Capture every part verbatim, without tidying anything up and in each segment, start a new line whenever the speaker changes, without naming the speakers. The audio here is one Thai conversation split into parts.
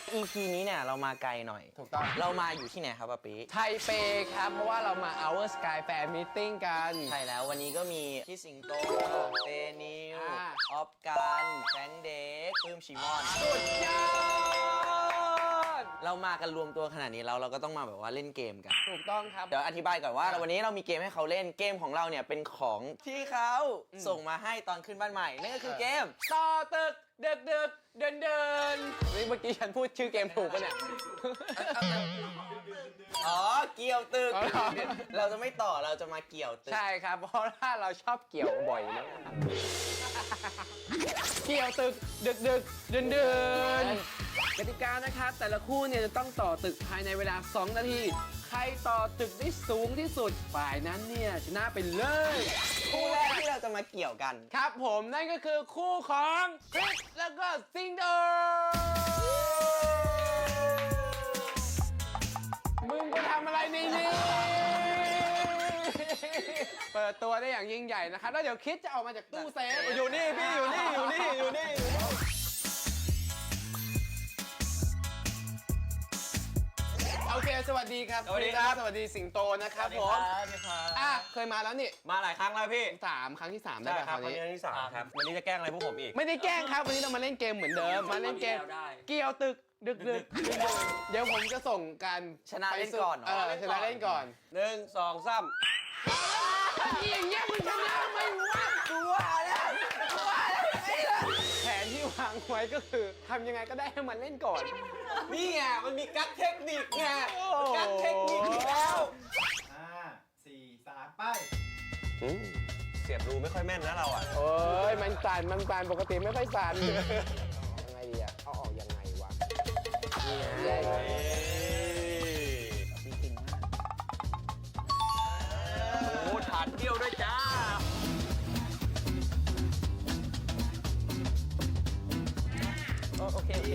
อี พี นี้เนี่ยเรามาไกลหน่อย
ถูกต้อง
เรามาอยู่ที่ไหนครับป๊าปิ๊
ไทเปครับเพราะว่าเรามา Our Sky Fan Meeting กัน
ใช่แล้ววันนี้ก็มีพี่สิงโตเตนิวออฟกันแฟงเด็กปื้มชิมอน
สุดยอด
เรามากันรวมตัวขนาดนี้แล้วเราก็ต้องมาแบบว่าเล่นเกมกัน
ถูกต้องครับ
เดี๋ยวอธิบายก่อนว่าวันนี้เรามีเกมให้เขาเล่นเกมของเราเนี่ยเป็นของที่เขาส่งมาให้ตอนขึ้นบ้านใหม่นั่นก็คือเกม
ต่อตึกเดิกเดิกเดินเดินนี่เมื่อกี้ฉันพูดชื่อเกมถูกปะเนี่ย
อ๋อเกี่ยวตึกเราจะไม่ต่อเราจะมาเกี่ยวตึก
ใช่ครับเพราะว่าเราชอบเกี่ยวบ่อยมากเกี่ยวตึกดึกดึกเดินเดินกติกานะครับแต่ละคู่เนี่ยจะต้องต่อตึกภายในเวลาสองนาทีใครต่อตึกได้สูงที่สุดฝ่ายนั้นเนี่ยชนะไปเลย
คู่แรกที่เราจะมาเกี่ยวกัน
ครับผมนั่นก็คือคู่ของคริสแล้วก็สิงโตมึงไปทำอะไรในนี้เปิดตัวได้อย่างยิ่งใหญ่นะครับแล้วเดี๋ยวคิดจะออกมาจากตู้เซฟ
อยู่นี่พี่อยู่นี่อยู่นี่อยู่นี่
โอเคสวัสดีครับ
สวัสดีครับ
สวัสดีสิงโตนะครับผม
สวัสดีครับ
อ่ะเคยมาแล้วนี่
มาหลายครั้งแล้วพี่
สามครั้งที่สามได้ป่ะ
ครับวันนี้ที่สามครับวันนี้จะแกล้งอะไรพวกผมอีก
ไม่ได้แกล้งครับวันนี้เรามาเล่นเกมเหมือนเดิมมาเล่นเกมเกี่ยวตึกดึกดึกเดี๋ยวผมจะส่งการ
ชนะเล่นก่อน
เออชนะเล่นก่อน
หนึ่งสองสาม
อย่างเงี้ยมึงชนะไม่วะ
กูว่าแล้วกูว่าแล้ว
แผนที่วางไว้ก็คือทำยังไงก็ได้ให้มันเล่นก่อน
นี่ไงมันมีกั๊กเทคนิคไงกั๊กเทคนิคแล้ว
ห้าสี่สามไป
เสียบรูไม่ค่อยแม่นนะเราอ่ะ
โอ้ยมันสั่นมันสั่นปกติไม่ค่อยสั่นยังไงดีอ่ะเอาออกยังไงวะนี่ไงจริงๆมาก
โอ้ฐานเดียวด้วยจ้าโอเคโอเค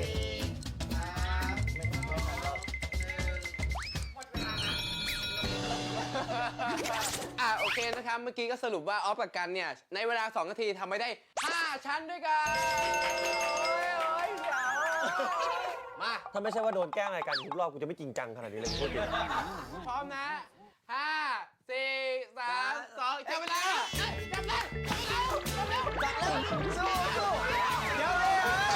อ่ะโอเคนะครับเมื่อกี้ก็สรุปว่าออฟกับกันเนี่ยในเวลาสองนาทีทำไปได้ห้าชั้นด้วยกันโอ้ยโอ้ยเจ๋วมา
ถ้าไม่ใช่ว่าโดนแกล้งอะไรกันทุกรอบกูจะไม่จริงจังขนาดนี้เลยพูดเลย
พร้อมนะห้าสี่สามสองจับเวลาจับเลยจับเร็วจับเร็วจับเร็วสู้สู้เดี๋ยวเลย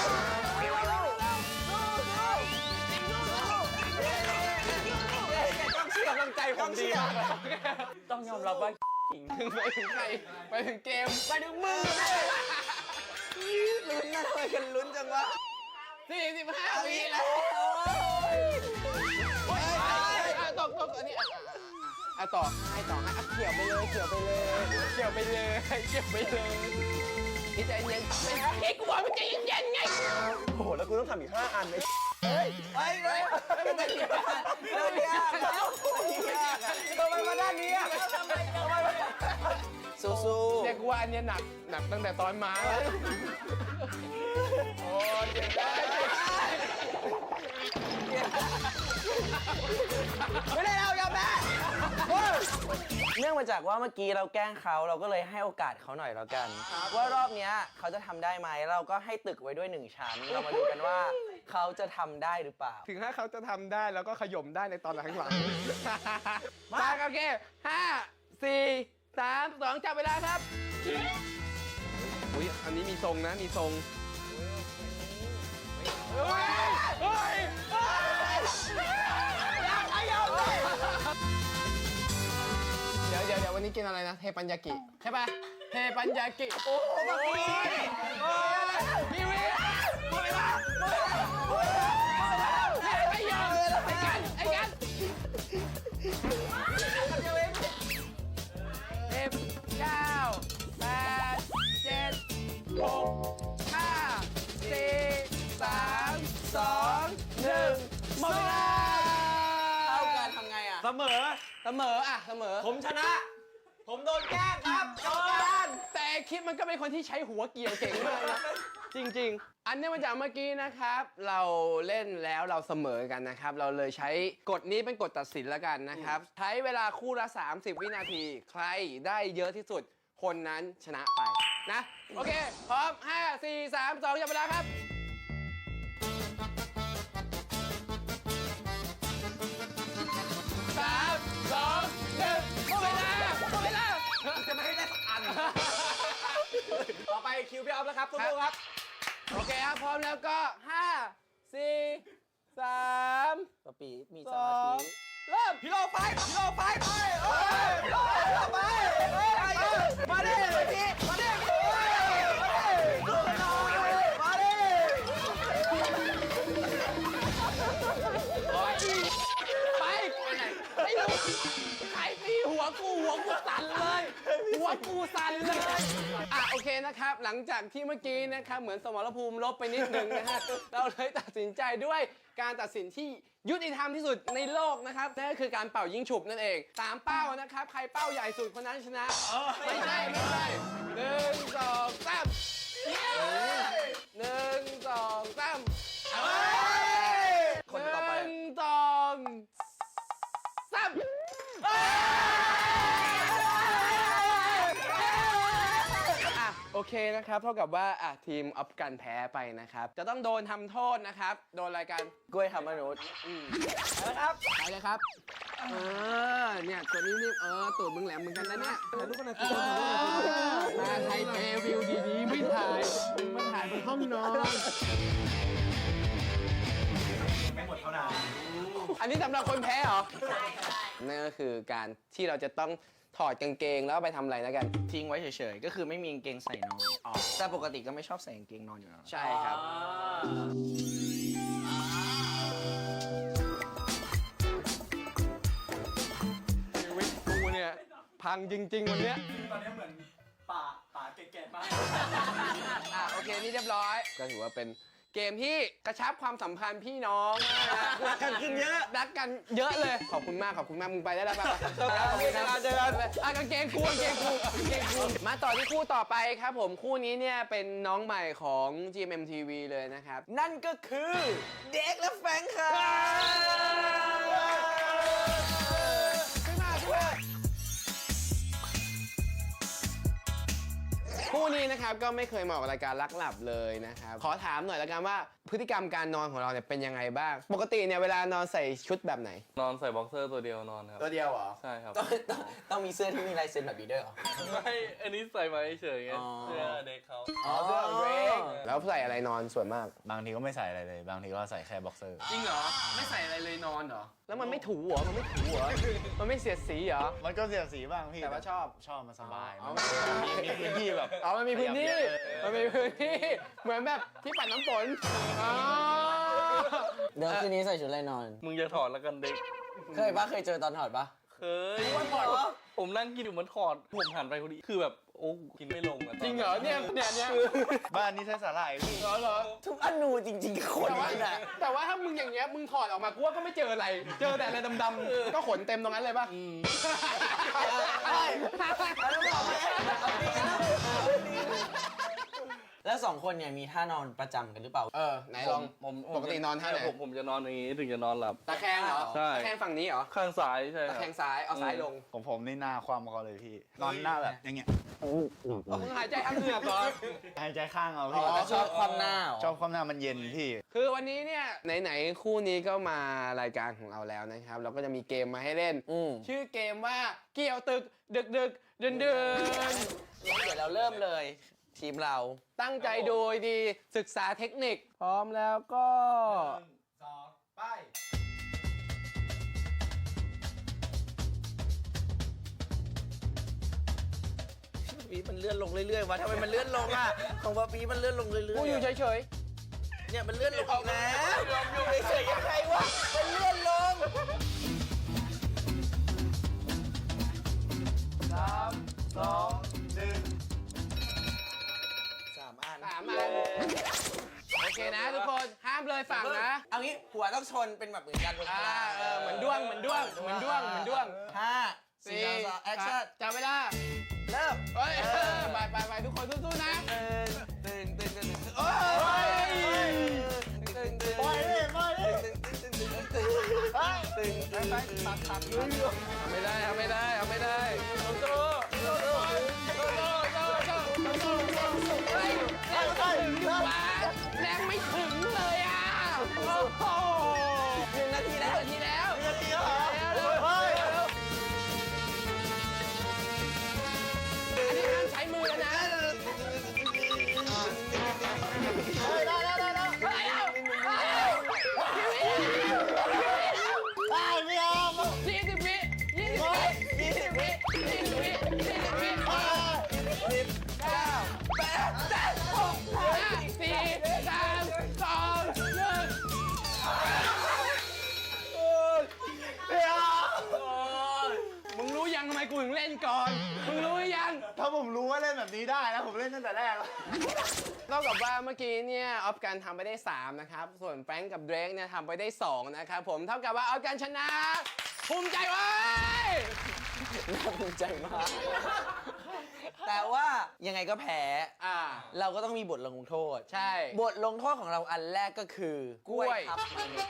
ต้องเชื่อกำลังใจผมดีมาก
ต้องยอมรับว่าจริง
ไปถึงใครไปถึงเกม
ไปถึงมือลุ้นนะทำไมกันลุ้นจังวะ
สี่สิบห้าวิแล้วตกตกอันนี้อ่ะต่อให้ต่อให้เกี่ยวไปเลยเกี่ยวไปเลยเกี่ยวไปเลยเกี่ยวไปเลยนี่ใจเย็นไอ้กูบอกมันใจเย็นๆไง
โอ้โหแล้วกูต้องทำอีกห้าอันเลยเฮ้ยเฮ้ยเฮ้ยมันจะยากมันจะยากแล้วทำไมมาด้านนี้ทำไมทำไมสู้ๆ
เด็กว่าอันนี้หนักหนักตั้งแต่ตอนมาแล้วโอ้เจ็บได้
ไม่ได้เราอย่าแพ้เนื่องมาจากว่าเมื่อกี้เราแกล้งเขาเราก็เลยให้โอกาสเขาหน่อยแล้วกันว่ารอบนี้เขาจะทำได้ไหมเราก็ให้ตึกไว้ด้วยหนึ่งชั้นเรามาดูกันว่าเขาจะทำได้หรือเปล่า
ถึงถ้าเขาจะทำได้แล้วก็ขย่มได้ในตอนหลังๆมาโอเคห้าสี่สามสองจับเวลาครับอุ้ยอันนี้มีทรงนะมีทรงเฮ้ยเฮ้ยเดี๋ยวเดี๋ยวเดี๋ยววันนี้กินอะไรนะเทปัญญากิใช่ป่ะเทปัญญากิโอ้โหแบบนี้พี่วิหมดเวลาหมดเวลาหมดเวลาไอ้ยังไอ้กันไอ้กันสิบเก้าแปดเจ็ดหกห้าสี่สามสองหนึ่งหมดเวลา
เท่ากันทำไงอ่ะ
เสมอเสมออ่ะเสมอ
ผมชนะผมโดนแกล้งครับกรรมการ
แต่คิดมันก็เป็นคนที่ใช้หัวเกี่ยวเก่งมากนะจริงๆอันนี้มาจากเมื่อกี้นะครับเราเล่นแล้วเราเสมอกันนะครับเราเลยใช้กฎนี้เป็นกฎตัดสินแล้วกันนะครับใช้เวลาคู่ละสามสิบวินาทีใครได้เยอะที่สุดคนนั้นชนะไปนะโอเคพร้อมห้า สี่ สาม สองจับเวลาครับ
คิวพี่ออฟแล้วครับสู้ๆครับ
โอเคครับ พร้อมแล้วก็ห้าสี่สาม
ปะปีมี
ส
ส
อ
มาธิ
งเริ่ม
พี่โลไฟพี่โลไฟไปเอ้ยพี่โลไปเอ้ยมาดิพี่มาดิพี่มาดิสู้หน่อยมาดิ
ไปไปไหนไม่รู้ใครตีหัวกูหัวกูสั่นเลย หัวกูสั่นเลยอ่ะโอเคนะครับ หลังจากที่เมื่อกี้นะครับเหมือนสมรภูมิลบไปนิดนึงนะฮะเราเลยตัดสินใจด้วยการตัดสินที่ยุติธรรมที่สุดในโลกนะครับนั่นก็คือการเป่ายิงฉุบนั่นเองสามเป้านะครับ ใครเป้าใหญ่สุดคนนั้นชนะ ไม่ใช่ไม่ใช่หนึ่งสองสามหนึ่งสองสาม
คนต่อไป
หนึ่งสองสามอ่ะโอเคนะครับ เท่ากับว่าอ่ะทีมออฟกันแพ้ไปนะครับ จะต้องโดนทำโทษนะครับ โดนอะไรกัน
กล้วยทำมนุษย์
นะครับไปเลยครับ เออ เนี่ยตัวนี้นี่เออตัวมึงแหลมเหมือนกันนะเนี่ยถ่ายรูปกันหน่อยมาไทยเปวิวดีๆไม่ถ่ายมาถ่ายบนห้องนอน
ไม่หมดเท่านั้น
อันนี้สำหรับคนแพ้เหรอ ใช่ใช่นั่นก็คือการที่เราจะต้องถอดกางเกงแล้วไปทำอะไรแล้วกัน
ทิ้งไว้เฉยๆ ก็คือไม่มีกางเกงใส่นอนแต่ปกติก็ไม่ชอบใส่กางเกงนอนอยู่แล้ว
ใช่ครับชีวิตกูเนี่ย พังจริงๆวันเนี้ย
ตอนนี้เหมือนป่าป่าแก่ๆมาก
อ่ะโอเค นี่เรียบร้อย ก็ถือว่าเป็นเกมที่กระชับความสัมพันธ์พี่น้องรักกันขึ้นเยอะรักกันเยอะเลย ขอบคุณมาก ขอบคุณมาก มึงไปได้แล้วป่ะขอบคุณครับเจอกันอ่ะกางเกงกูกางเกงกูกางเกงกูมาต่อที่คู่ต่อไปครับผม คู่นี้เนี่ยเป็นน้องใหม่ของ จี เอ็ม เอ็ม ที วี เลยนะครับ
นั่นก็คือเด็กและแฟงค่ะ
ขึ้นมาขึ้นมาคู่นี้นะครับก็ไม่เคยมาออกรายการลักหลับเลยนะครับ ขอถามหน่อยแล้วกันว่าพฤติกรรมการนอนของเราเนี่ยเป็นยังไงบ้าง ปกติเนี่ยเวลานอนใส่ชุดแบบไหน
นอนใส่บ็อกเซอร์ตัวเดียวนอนครับ
ตัวเดียวเหรอ
ใช่ครับ
ต้องต้องต้องมีเสื้อที่มีลายเซ็นแบบนี้ด้วยเหรอ
ไม่ อันนี้ใส่มาเฉยๆไง
อ๋อ
เสื้อเด็กเขา
อ๋อเสื้อของเดรก
แล้วใส่อะไรนอนส่วนมาก
บางทีก็ไม่ใส่อะไรเลย บางทีก็ใส่แค่บ็อกเซอร์
จริงเหรอ ไม่ใส่อะไรเลยนอนเหรอ แล้วมันไม่ถูเหรอ มันไม่ถูเหรอ มันไม่เสียดสีเหรอ
มันก็เสียสีบ้างพี่
แต่ว่าชอบ
ชอบมันสบาย
อ๋อ
มันมีมีพื้นที่แบบ
อ๋อ มันมีพื้นที่ มันมีพื้นที่ เหมือนแบบที่ปัดน้ำฝนอ๋อ
เดี๋ยวคืนนี้ใส่ชุดอะไรนอน
มึงจะถอดแล้วกันเด็ก
เคยปะเคยเจอตอนถอดปะ
เคยผมนั่งกินอยู่มันถอด ผมหันไปพอดี คือแบบ โอ้กินไม่ลงอะตนนั้น
จริงเหรอ เนี่ยเนี่ยเนี่ย
บ้านนี้ใช้สาหร่ายพี่
เหรอเหรอ
ทุกอนูจริงๆคน
แต่ว่า
นี่นะ
แต่ว่าถ้ามึงอย่างเงี้ยมึงถอดออกมากูว่าก็ไม่เจออะไร เจอแต่อะไรดำๆก็ขนเต็มตรงนั้นเลยป่ะ
แล้วสองคนเนี่ยมีท่านอนประจำกันหรือเปล่า
เออไหนลอง
ผม
ปกตินอนท่าไหน
ผมผมจะนอนอย่างนี้ถึงจะนอนหลับ
ตะแคงเหรอ
ใช่
ตะแคงฝั่งนี้เหรอ
ข้างซ้ายใช่ค
ตะ
รับ
แคงซ้ายเอาซ้ายลง
ของผมนี่หน้าความเขาเลยพี่ นอนหน้าแบบอย่างเงี้ย
มึงหายใจทางเหงือกเหรอ
หายใจข้างเอา
อ๋
พี่
อ
ชอบความหน้าเหรอ
ชอบความหน้ามันเย็นพี่
คือวันนี้เนี่ยไหนๆคู่นี้ก็มารายการของเราแล้วนะครับ เราก็จะมีเกมมาให้เล่น
อืม
ชื่อเกมว่าเกี่ยวตึกดึกดึกเดินเดิน
เดี๋ยวเราเริ่มเลย ทีมเรา
ตั้งใจดูดีศึกษาเทคนิค พร้อมแล้วก็
หนึ่งสองไป
ปีมันเลื่อนลงเรื่อยๆวะทำไมมันเลื่อนลงอ่ะ ของปะปีมันเลื่อนลงเรื่อยๆ
กูอยู่เฉย
เนี่ยมันเลื่อนลงอีกแล้วอยู่เฉยๆยังไงวะ มันเลื่อนลง
สามสองหนึ่ง
สามอัน
ๆสามอันโอเคนะทุกคนห้ามเลยฝั่งนะ
เอางี้หัวต้องชนเป็นแบบเหมือนกันบน
อ่า
ลา
เออเหมือนด้วงเหมือนด้วงเหมือนด้วงเหมือนด้วง
ห้าสี่สามสองแอคชั่น
จับเวลา
เริ่ม
เฮ้ยไปไปไปทุกคนสู้ๆนะ
ตึงตึงตึงตึงตึงโอ้ยตึงตึง
ปล่อยดิปล่อยดิ
ตึงตึงตึงตึงตึงตึงตึง
ไปตัดตัดเลย
ทำไม่ได้ทำไม่ได้ทำไม่ได้สู้ๆสู้ๆสู้ๆสู้ๆสู้ๆสู้ๆเฮ้ยแรงไม่ถึงดีกว่าแรงไม่ถึงเลยอ่ะโอ้โห
หนึ่งนาทีแล้ว
นาทีแล้ว
นาทีแล้วเหรอ
เร็วเร็วเร็วอันนี้ห้ามใช้มือแล้วนะ
นี้ได้แล้วผมเล่นตั้งแต่แรกแล้ว
เท่ากับว่าเมื่อกี้เนี่ยออฟกันทำไปได้สามนะครับส่วนแฟรงก์กับเดรกเนี่ยทำไปได้สองนะครับผมเท่ากับว่าออฟกันชนะภูมิใจไว้
น่าภูมิใจมาก แต่ว่ายังไงก็แพ้
อ่า
เราก็ต้องมีบทลงโทษ
ใช่
บทลงโทษของเราอันแรกก็คือก
ล้วย
ทับมนุษย์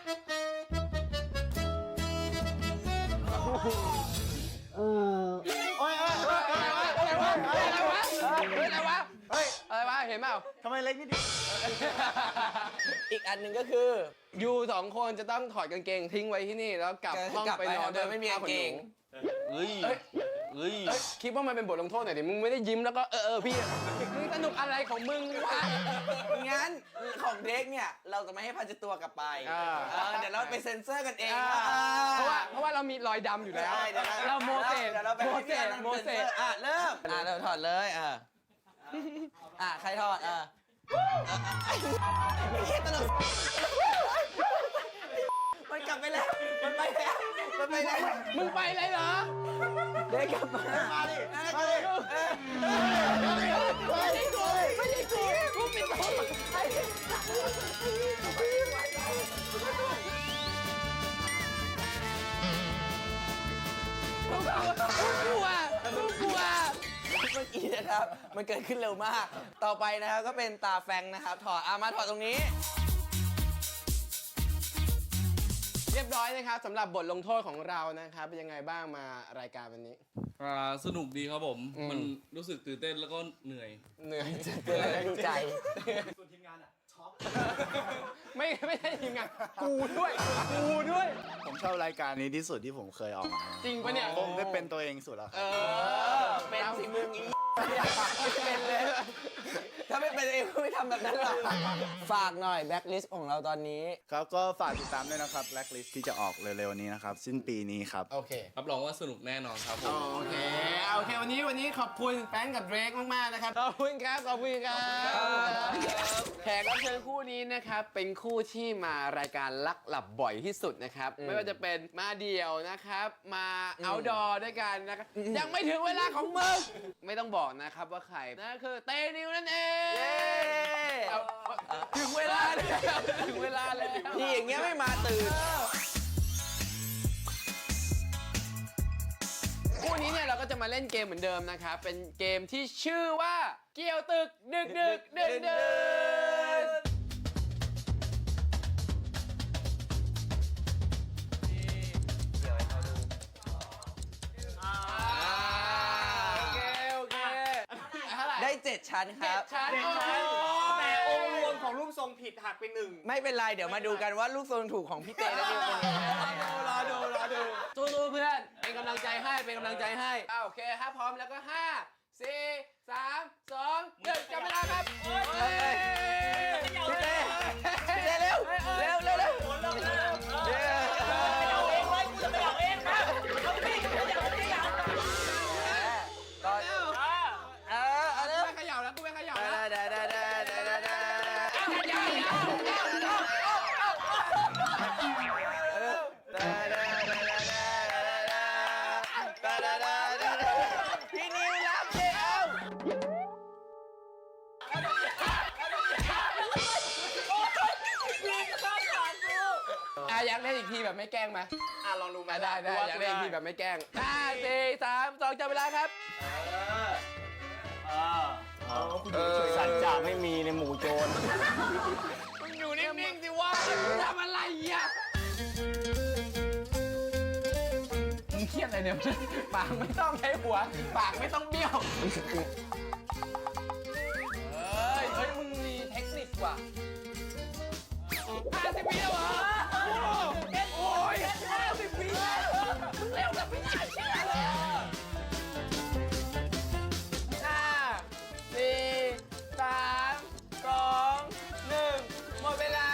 โอ้ยโอ้ยโอ้ย
อะไรวะอะไรวะอะไรวะเฮ้ยอะไรวะเห็นเปล่า
ทำไมเล็กนิดเดียว
อีกอันหนึ่งก็คือ
ยูสองคนจะต้องถอดกางเกงทิ้งไว้ที่นี่แล้วกลับห้อง
กลับ
ไป
ไป
นอน
โดยไม่มีกางเกง
เฮ้ย
เอ้ย
เฮ้ย
เอ้ยคิดว่ามันเป็นบทลงโทษหน่อยดิมึงไม่ได้ยิ้มแล้วก็เออเออพี่มึงสนุกอะไรของมึงวะ
งั้นของเด็กเนี่ย เราจะไม่ให้พันจิตตัวกลับไป
อ่า
เออเดี๋ยวเราไปเซ็นเซอร์กันเอง
อ่า
อ่
เพราะว่าเพราะว่าเรามีรอยดำอยู่แล้ว
ใช่เดี๋ยว
เราโมเสส
เดี๋ยวเราไป
โม
ให้
เส
พี่อ
ส
นันต์
โมเส
ซ็น
ส
ซอร์อ่ะเริ่มอ่ะเราถอดเลยอ่ะอ่ะใครถอดอ่ะไม่ใช่ตลกมันกลับไปแล้วมันไปแล้วมันไปแล้ว
มึงไปเลยเหรอ
เด็กกลับมา
มาดิ
มา
มา
ดิ
ดิ
ไม่ใช่กูไม่ใช่กูกูปิดตัวกูกลัวกูกลัว
เมื่อกี้นะครับ มันเกิดขึ้นเร็วมาก ต่อไปนะครับก็เป็นตาแฟงนะครับ ถอดอ่ะมาถอดตรงนี้
เรียบร้อยนะครับสำหรับบทลงโทษของเรานะครับเป็นยังไงบ้างมารายการวันนี้
อ่าสนุกดีครับผม
อืม
มันรู้สึกตื่นเต้นแล้วก็เหนื่อย
เหนื่อยจะ
เกิดอะไรดีใจ
ส่วนทีมงานอ่ะช็อก
ไม่ไม่ใช่ทีมงานกูด้วยกูด้วย
ผมชอบรายการนี้ที่สุดที่ผมเคยออกมา
จริงปะเนี่ย
ผมได้เป็นตัวเองสุดแล้วค
เอ
รับ
อ
เป็นสิมึงอีเป็นเลย ถ้าไม่เป็นเองก็ไม่ทำแบบนั้นหรอก ฝากหน่อยแบ็คลิสต์ของเราตอนนี้
ครับก็ฝากติดตามด้วยนะครับ Blacklist ที่จะออกเร็วๆนี้นะครับ สิ้นปีนี้ครับ
โอเค
รับรองว่าสนุกแน่นอนครับผม
โอเคโอเค วันนี้วันนี้ขอบคุณแฟรงก์กับเดรกมากๆนะครับ ขอบคุณครับ ขอบคุณครับแขกรับเชิญคู่นี้นะครับ เป็นคู่ที่มารายการลักหลับบ่อยที่สุดนะครับ ไม่ว่าจะเป็นมาเดี่ยวนะครับ มาเอาดอด้วยกันนะครับ ยังไม่ถึงเวลาของมึง ไม่ต้องบอกนะครับว่าใครนั่นคือเตนิวนั่นเอง
เย้
เอาถึงเวลาแล้วถึงเวลาแล้ว
ที่อย่างเงี้ยไม่มาตื่น
คู่นี้เนี่ยเราก็จะมาเล่นเกมเหมือนเดิมนะครับ เป็นเกมที่ชื่อว่าเกี่ยวตึกดึกดึกดึกดึกโอเคโอเคเท่าไหร่
ได้เจ็ดชั้นครับ
ชั้น
แต่องค์รวมของรูปทรงผิดหักไปหนึ่ง
ไม่เป็นไร เดี๋ยวมาดูกันว่าลูกทรงถูกของพี่เต้และพี่เป็นยังไง
รอดูรอดูสู้ๆเพื่อนเป็นกำลังใจให้เป็นกำลังใจให้อ่าโอเคถ้าพร้อมแล้วก็ห้าสี่สามสองหนึ่งจับเวลาครับ
เอ้ยพี่เต้พี่เต้เร็วเร็วเร็วเร็วเย้
เอาเองไว้กูจะไปเอาเองครับเอาสิเอาอย่างเอาอย่าง
ก่อนเออเอาเร็ว
ไม่เขย่าแล้วกูไม่เขย่า
ได้
แล้ว
ได้ได้ได้ได้ได้ได้
เขย่าแล้ว
พี่นิวรับเร็ว
อ่ะอยากเล่นอีกทีแบบไม่แกล้งไหม
อ่ะลองดูไหม
อ่ะได้ได้อยากเล่นอีกทีแบบไม่แกล้งห้าสี่สามสองจับเวลาครับ
สัจจะไม่มีในหมู่โจร
มึงอยู่นิ่งๆสิวะทำอะไรอ่ะมึงเครียดอะไรเนี่ย ปากไม่ต้องใช้หัว ปากไม่ต้องเบี้ยว เฮ้ย เฮ้ย มึงมีเทคนิคว่ะห้าสิบวิแล้วเหรอ โอ้ยห้าสิบวิมึงเร็วแบบไม่น่าเชื่อเลยห้าสี่สามสองหนึ่งหมดเวลา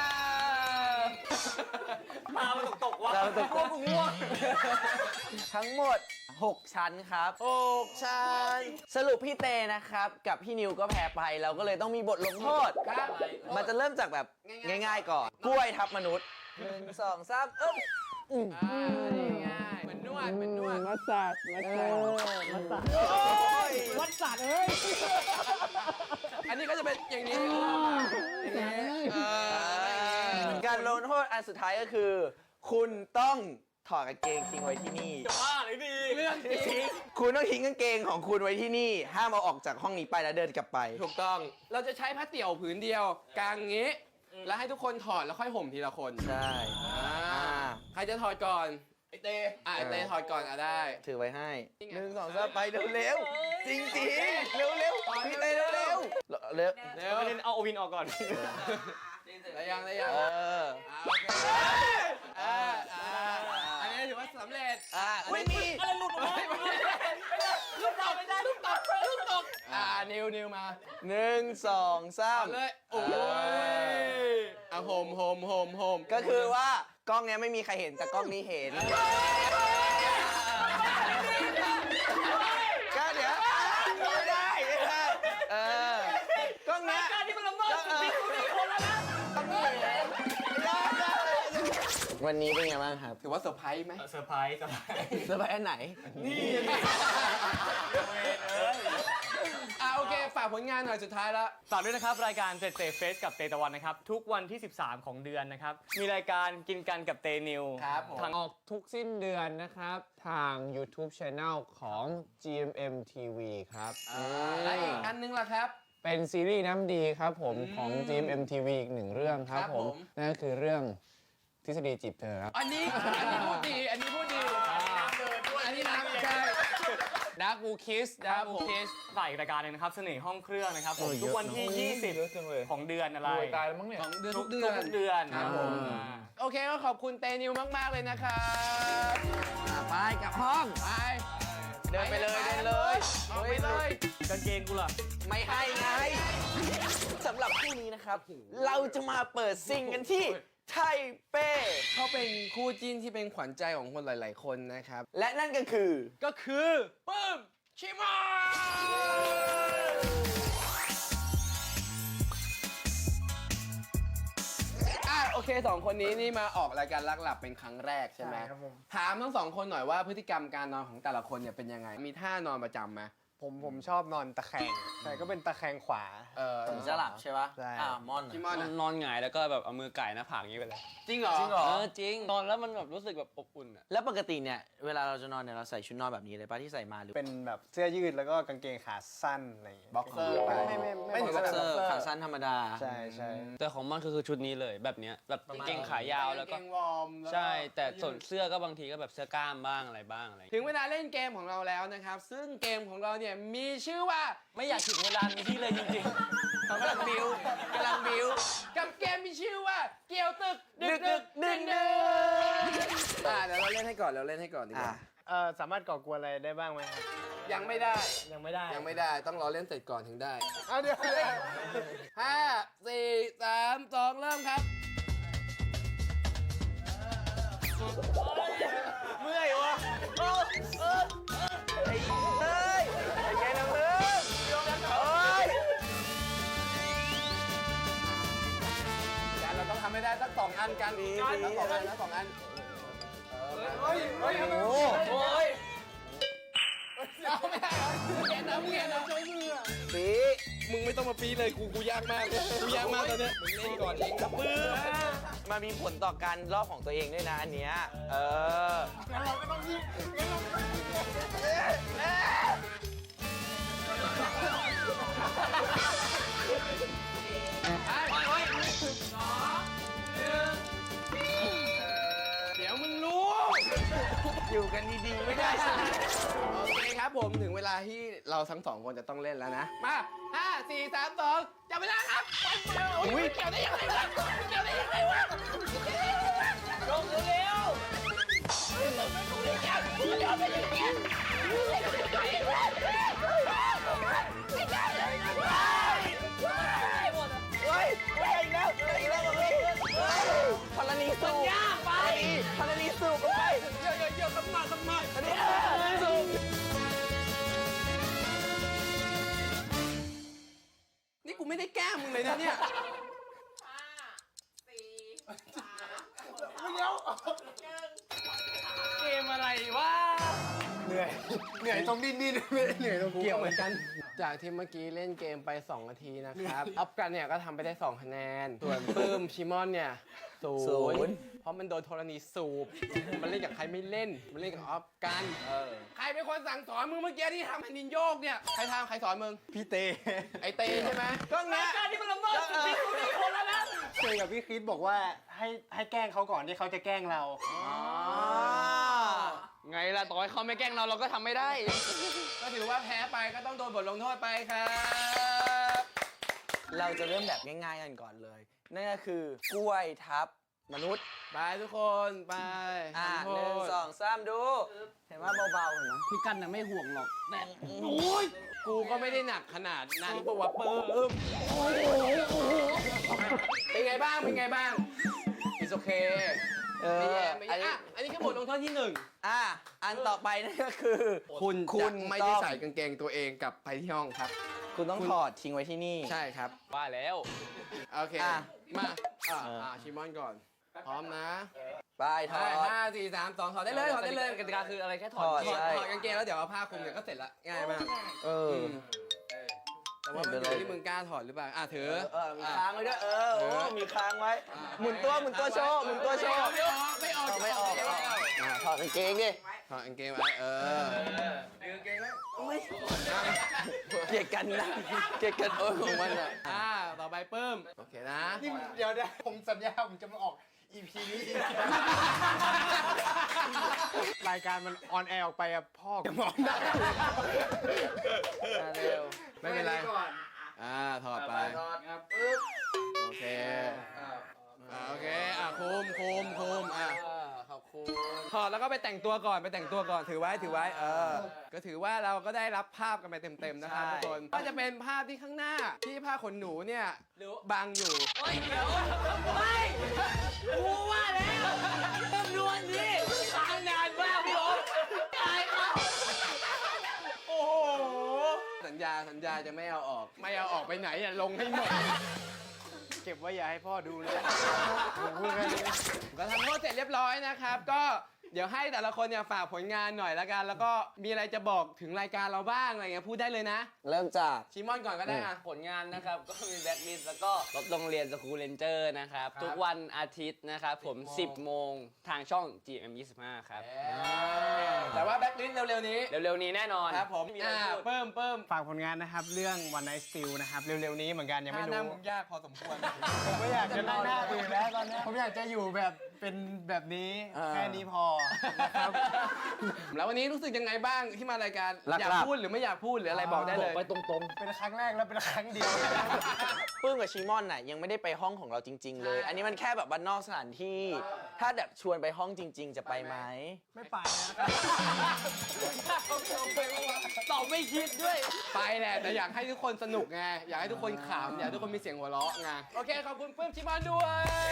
มามันตกๆวะ
เราตกพวกมึงง่วงทั้งหมดหกชั้นครับหกชั้น สรุปพี่เตนะครับ กับพี่นิวก็แพ้ไป เราก็เลยต้องมีบทลงโทษ
ครับ
มันจะเริ่มจากแบบง่ายๆก่อน กล้วยทับมนุษย์หนึ่งสองสามอึ๊บอืม
อ่านี่ง่ายเหมือนนวดเหมือนนวด
มาสัดมาสัดมาสัด
วัดสัตว์เอ้ย
อันนี้ก็จะเป็นอย่างนี้เออ
การลงโทษอันสุดท้ายก็คือ คุณต้องถอดกางเกงทิ้งไว้ที่นี่
บ้าเลยดี
เรื่องจริง
คุณต้องทิ้งกางเกงของคุณไว้ที่นี่ ห้ามเอาออกจากห้องนี้ไปแล้วเดินกลับไป
ถูกต้อง เราจะใช้ผ้าเตี่ยวผืนเดียวกางงี้ แล้วให้ทุกคนถอดแล้วค่อยห่มทีละคน
ใช่
อ่า
อ่า
ใครจะถอดก่อน ไอเต้อ่ะไอเต้ถอดก่อนอ่ะได้
ถือไว้ให้
นี่ไง
หนึ่งสองสามไปเร็วเร็วๆจริงจริงๆเร็วเร็วๆพี่เต้เร็วเร็วๆเร็ว
เร็ว
ประเด็นเอาโอวินออกก่อน
ได้ยังได้ยัง
เออ
อ่าโอเคอ่าอ่าอันนี้ถือว่าสำเร็จ
อ่าไม่มี
อะไรหลุดออกมา
ลูกตกไม่ได้ลูกตกลูกตกอ่านิวนิวมา
หนึ่งสองสา
เอา
ม
เลยโอ้ยอ่ะโฮมโฮมโฮมโฮม
ก็คือว่ากล้องเนี้ยไม่มีใครเห็นแต่กล้องนี้เห็นก็เดี๋ยวไม่ได้ไม่ได้เออกล้องเนี้ย
การที่มันละเมิดสิทธิส่วนบุคคลแล้วนะ
ต้องเห็นได้ได้วันนี้เป็นไงบ้างครับ
ถือว่าเซอร์ไพรส์ไหม
เซอร์ไพรส์เซอร์ไพรส์
สบายอันไหน
อ่ะโอเคฝากผลงานหน่อยสุดท้ายแล้ว
ฝากด้วยนะครับ รายการเตเตเฟสกับเตตะวันนะครับ ทุกวันที่ สิบสาม ของเดือนนะครับ มีรายการกินกันกับเตนิว
ครับผม
ทาง
ออกทุกสิ้นเดือนนะครับ ทาง YouTube Channel ของ จี เอ็ม เอ็ม ที วี ครับ
และอีกอันนึงล่ะครับ
เป็นซีรีส์น้ำดีครับผมของ จี เอ็ม เอ็ม ที วี อีกหนึ่งเรื่องครับ
ครับ
ผ
ผม ม
นั่นก็คือเรื่องทฤษฎีจีบเธอครับ
อันนี้อันนี้พูดดี อันนี้พูดดีอันนี้นะใช่
ดักบูคิส
ค
ดั
รั
ก
บ
บู
ผม
คิส
ฝ่ายรายการหนึงนะครับ เสน่ห์ห้องเครื่องนะครับผม
โอ้ยเยอะ
ทุกวันที่
เนอะ
ยี่สิบ
เยอะจังเลย
ของเดือนอะไร
ตายแล้วมั้งเนี่ย
ของเดือน
ทุ
ทุ
ก
ก
เดื
เดื
อ
อน น
เดือน
ครับผม
อ่า
โอเคก็ขอบคุณเตนิวมาก ๆ เลยนะครับ
ไปกลับห้อง
ไป
เดินไปเลยเดินเลย
ออกไปเลย
กางเกงกูล่ะ
ไม่ให้ไงสำหรับคู่นี้นะครับ เราจะมาเปิดซิงกันที่ไทเป้
เขาเป็นคู่จิ้นที่เป็นขวัญใจของคนหลาย ๆ คนนะครับ
และนั่นก็คือ
ก็คือปื้มชิมา อ่ะโอเคสองคนนี้นี่มาออกรายการลักหลับเป็นครั้งแรกใช่ไหม
ใช่ครับผม
ถามทั้งสองคนหน่อยว่าพฤติกรรมการนอนของแต่ละคนเนี่ยเป็นยังไง มีท่านอนประจำไหม
ผมผมชอบนอนตะแคงใช่ก็เป็นตะแคงขวา
เออ
ผมจะหลับใช่ปะ
ใช่
อ่า มอน
ชิมอนอะ
นอนหงายแล้วก็แบบเอามือไก่หน้าผากอย่างนี้ไปเลย
จริงเหรอ
จริงเหรอ
เออจริง นอนแล้วมันแบบรู้สึกแบบอบอุ่นอ่ะ
แล้วปกติเนี่ย เวลาเราจะนอนเนี่ยเราใส่ชุดนอนแบบนี้เลยปะที่ใส่มาหรือ
เป็นแบบเสื้อยืดแล้วก็กางเกงขาสั้นอะไรอย่างเงี้ย
บ็อกเซอร์ไป
ไม่ไม่
ไม่ถึง
บ็
บ็
อ
อก ก
เซ
เซ
อ
อ
ร์
ร์ขาสั้นธรรมดา
ใช่ใช่
แต่ของมันก็คือชุดนี้เลยแบบเนี้ยแบบกางเกงขายาวแล้วก็
เกงวอร์มแล้วก็
ใช่ แต่ส่วนเสื้อก็บางทีก็แบบเสื้อกล้ามบ้างอะไรบ้างอะไร
ถึงเวลาเล่นเกมของเราแล้วนะครับ ซึ่งเกมของเราเนี่ยมีชื่อว่า
ไม่อยากถึงเวลานี้ที่เลยจริง
เขากำลังบิวกำลังบิว
กับเกมมีชื่อว่าเกี่ยวตึก
ดึกดึกดึกดึก
อ่าเดี๋ยวเราเล่นให้ก่อนเราเล่นให้ก่อนดีก
อ่ะ
ว่า
เออสามารถก่อกวนอะไรได้บ้างไหมครับ
ยังไม่ได้
ยังไม่ได้
ยังไม่ได้ต้องรอเล่นเสร็จก่อนถึงได้
เอาเดี๋ยว
ห้าสี่สามสองเริ่มครับ
เมื่อยวะโอ้เออไอ้เต้ยไอ้แกนังเลิกยอมกันเฮ้ย
แต่เราต้องทำให้ได้สักสองอันกันทั้งสองอันทั้งสองอัน
โอ้โอ้ย
เอาไม่ได้เหรอเกียนนะเกียนนะใช้มือ
ปี
มึงไม่ต้องมาปีเลยกูกูยากมากกูยากมากตอนเนี้ยมึงเล่นก่อนเองครับปื้ม
มันมีผลต่อการรอบของตัวเองด้วยนะอันเนี้ยเออ
เดี๋ยวมึงรู้
อยู่กันดีๆไม่ได้ใช่ไหม
โอเคครับผมถึงเวลาที่เราทั้งสองคนจะต้องเล่นแล้วนะ มาห้าสี่สามสองจับเวลาครับอุ้ยเกี่ยวได้ยังไงวะเกี่ยวได้ยังไงวะลงเร็วๆ
เฮ้ยเฮ้ยอีกแล้วอีกแล้วเฮ้ยเฮ้ยพลนีสูบยากไปพลนีสูบไป
เยอะๆเยอะๆต้องมาต้องมา
อันนี้พลนีสูบ
นี่กูไม่ได้แกล้งมึงเลยนะเนี่ย
เกมอะไรวะ
เหนื่อยอยเหนื่อยตรงดิ้นดิ้นไม่ได้เหนื่อยตรง
เกี่
เกี่
ย
ยว ว
เหมือนกัน จากที่เมื่อกี้เล่นเกมไป สอง นาทีนะครับ อัพกันเนี่ยก็ทำไปได้ สอง คะแนน ส่วนปื้มชิมอนเนี่ยศู
ศู
น
นย์
ย์เพราะมันโดนธรณีสูบ มันเล่นกับใครไม่เล่น มันเล่นกับอัพกัน ใครเป็นคนสั่งสอนมึงเมื่อกี้ที่ทำให้นินโยกเนี่ย ใครทำใครสอนมึง
พี่เต
ไอเตใช่ไหม
ก็เงี้ย
การที่มันละเมิดสิทธิส่วนบุคคลแล้วนะ
เตกับพี่คริสบอกว่าให้ให้แกล้งเขาก่อนที่เขาจะแกล้งเรา
ไงล่ะต่อให้เขาไม่แกล้งเราเราก็ทำไม่ได้ ก็ถือว่าแพ้ไปก็ต้องโดนบทลงโทษไปครับ
เราจะเริ่มแบบง่ายๆกันก่อนเลย นั่นก็คือกล้วยทับมนุษย์
ไปทุกคนไป
อ่า
ทำโท
หนึ่ง
ษ
สองสามดู เห็นว่าเบาๆเห็นไหม
พี่กันน่ะไม่ห่วงหรอกแต่
กูก็ไม่ได้หนักขนาดนั้นปะวะเปิมเป็นไงบ้าง เป็นไงบ้าง it's okay
เอ
ไม่
อ
แย่ไม่
อัน
แย่
นี้
อ่ะอันนี้คือบทลงโทษที่หนึ่ง
อ่ะอันต่อไปนั่นก็คือ
คุณ
คุ
จะ
ณ
ไม่
ต้
ได้
อง
ใส่กางเกงตัวเองกลับไปที่ห้องครับ
คุณต้องถอดทิ้งไว้ที่นี่
ใช่ครับ
ว่าแล้ว
โอเค
อ่ะ
มาอ่า
เอออ่
อ่าชิมอนก่อน พร้อมนะ
ไปถอ
ห้า
ด
ห้าสี่สามสองถอดได้เลยถอดได้เลย
กติกาคืออะไรแค่ถอด
ถอด
ถอด
ใช่
ถอดกางเกงแล้วเดี๋ยวเอาผ้าคลุมเดี๋ยวก็เสร็จละง่ายมาก
เออ
มแต่ว่ามันอยู่ที่มึงกล้าถอดหรือเปล่า อ่ะถือ
เออมีค้างไว้ด้วยเออโอ้มีค้างไว้ หมุนตัวหมุนตัวโชว์หมุนตัวโชว์
ไม่ออกไม่ออก
ไม่ออก
ไม่ออก
อ่ะถอดกางเกงดิ
ถอดกางเกงไว้เออ
เกลียดกันนะเกลียดกันโอ้ยของมันอ่ะ
อ่าต่อไปเพิ่มโอเคนะ
นี่เดี๋ยวนะผมสัญญาผมจะมาออก อี พี นี้อีกรายการมันออนแอร์ออกไปอะพ่อจะมองได้
อ่ะเร็ว
ไม่เป็นไร
ก่อน
อ่าถอดไป
ถอดครับปึ๊บ
โอเคอ่าโอเคอ่ะคุมคุมคุมอ่ะขอบคุณถอดแล้วก็ไปแต่งตัวก่อนไปแต่งตัวก่อนถือไว้ถือไว้เออก็ถือว่าเราก็ได้รับภาพกันไปเต็มๆนะครับ
ใช่
ทุกคนก็จะเป็นภาพที่ข้างหน้าที่ผ้าขนหนูเนี่ยบังอยู่
โอ้ยเดี๋ยวไม่กูว่าแล้วจำนวนนี้ทางงานมากพี่โอ๊ตตายแล้ว
โอ้โหสัญญาสัญญาจะไม่เอาออก ไม่เอาออกไปไหนอ่ะลงให้หมด
เก็บไว้อย่าให้พ่อดูเลยผมพูดแค่นี้
ก็ทำโทษเสร็จเรียบร้อยนะครับ ก็เดี๋ยวให้แต่ละคนเนี่ยฝากผลงานหน่อยละกัน แล้วก็มีอะไรจะบอกถึงรายการเราบ้างอะไรเงี้ยพูดได้เลยนะ
เริ่มจาก
ชิมอนก่อนก็ได้อ่ะ
ผลงานนะครับ ก็มีแบ็คลิสต์แล้วก็รถโรงเรียนสกูเลนเจอร์นะครับ ทุกวันอาทิตย์นะครับผม สิบโมงทางช่อง จี เอ็ม ยี่สิบห้า ครับ
แต่ว่าแบ็คลิสต์เร็วๆนี้
เร็วๆนี้แน่นอน
ครับผม
มีอะไร
อ่า
พูด
เพิ่มเพิ่ม
ฝากผลงานนะครับ เรื่อง One Night Still นะครับ เร็วๆนี้เหมือนกันยังไม่
หน้า
รู้
มึงยากพอสมควร
ผมไม่อยากจะนั่งหน้าอื่นแล้วตอนนี้ผมอยากจะอยู่แบบเป็นแบบนี้
อ่า
แค่นี้พอนะครับ
แล้ววันนี้รู้สึกยังไงบ้างที่มารายการ
หลักๆ
อยากพูดหรือไม่อยากพูดหรืออะไรบอกได้เลย
ไปตรง
เป็นครั้งแรกแล้วเป็นครั้งเดียว
ปื้มกับชิมอนน่ะยังไม่ได้ไปห้องของเราจริง ๆ เลย อันนี้มันแค่แบบบ้านนอกสถานที่ ถ้าแบบชวนไปห้องจริง ๆ จะไปไหม
ไม่ไปนะครับ
ตอบไม่คิดด้วย ไปแหละแต่อยากให้ทุกคนสนุกไง อยากให้ทุกคนขำอยากให้ทุกคนมีเสียงหัวเราะไง โอเค ขอบคุณเพิ่มชิมอนด้วย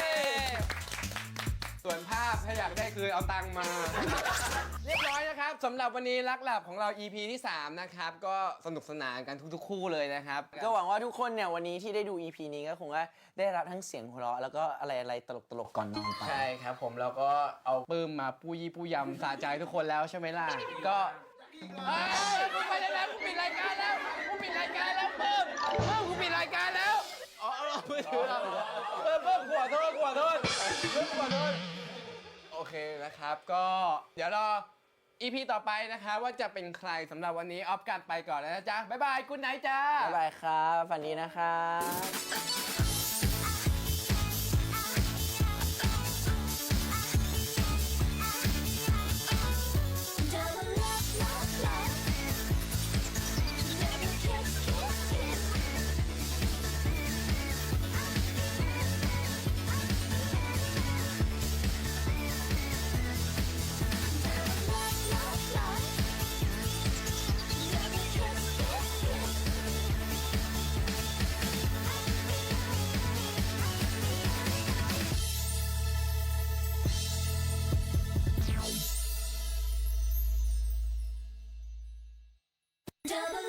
ส่วนภาพถ้าอยากได้คือเอาตังค์มา เรียบร้อยนะครับสำหรับวันนี้รักหลับของเรา อี พี ที่ สาม นะครับ ก็สนุกสนานกันทุกๆ คู่เลยนะครับ
ก็หวังว่าทุกคนเนี่ยวันนี้ที่ได้ดู อี พี นี้ก็คงว่าได้รับทั้งเสียงหัวเราะแล้วก็อะไรๆตลกๆก่อนนอนไป
ใช่ครับผมเราก็เอาปื้มมาปูยี่ปูยำสะใจทุกคนแล้วใช่ไหมล่ะ ก็เอ้ยกูไปได้แล้วกูปิดรายการแล้วกูปิดรายการแล้วปื้มปื้มกูปิดรายการแล้วอ๋อเอามือถือเราเพิ่มเพิ่มขวดโทษขวดโทษเพิ่มขวดโทษโอเคนะครับก็เดี๋ยวรอ อี พี ต่อไปนะครับว่าจะเป็นใครสำหรับวันนี้ออฟกันไปก่อนแล้วนะจ๊ะบ๊ายบายกุ๊ดไนท์จ้า
บ๊ายบายครับฝันดีนะครับ
Double love, love, love. Never kiss, kiss, kiss. Double love, love, love. Never kiss, kiss, kiss. Double